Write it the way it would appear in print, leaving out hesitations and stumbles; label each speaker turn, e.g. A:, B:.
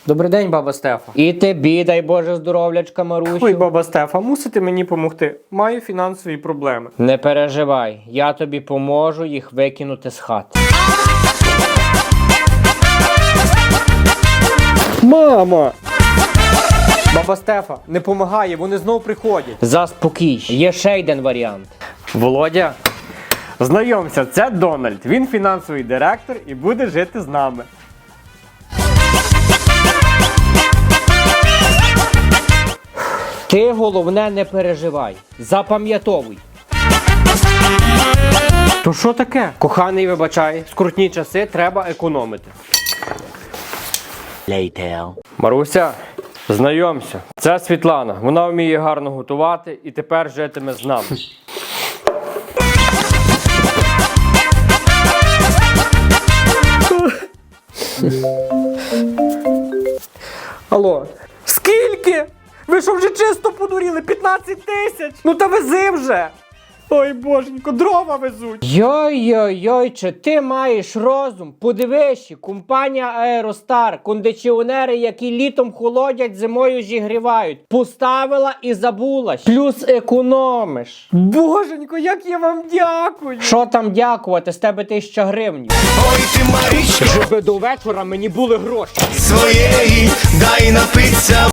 A: Добрий день, баба Стефа.
B: І тобі, дай Боже, здоров'ячка, Марусю.
A: Ой, баба Стефа, мусите мені помогти. Маю фінансові проблеми.
B: Не переживай, я тобі поможу їх викинути з хати.
A: Мама! Баба Стефа, не помагає, вони знов приходять.
B: Заспокійся. Є ще один варіант.
A: Володя, знайомся, це Дональд. Він фінансовий директор і буде жити з нами.
B: Ти, головне, не переживай. Запам'ятовуй.
A: То що таке?
B: Коханий, вибачай, скрутні часи, треба економити.
A: Маруся, знайомся, це Світлана. Вона вміє гарно готувати і тепер житиме з нами. Алло, скільки? Ви що, вже чисто подуріли? 15 тисяч? Ну та вези вже! Ой, боженько, дрова везуть!
B: Йой-йой-йой, чи ти маєш розум? Подивись, компанія Аеростар, кондиціонери, які літом холодять, зимою зігрівають. Поставила і забулась. Плюс економиш.
A: Боженько, як я вам дякую!
B: Що там дякувати, з тебе 1000 гривень.
C: Ой ти, Марічко,
B: Щоб до вечора мені були гроші.
C: своєї дай напиться.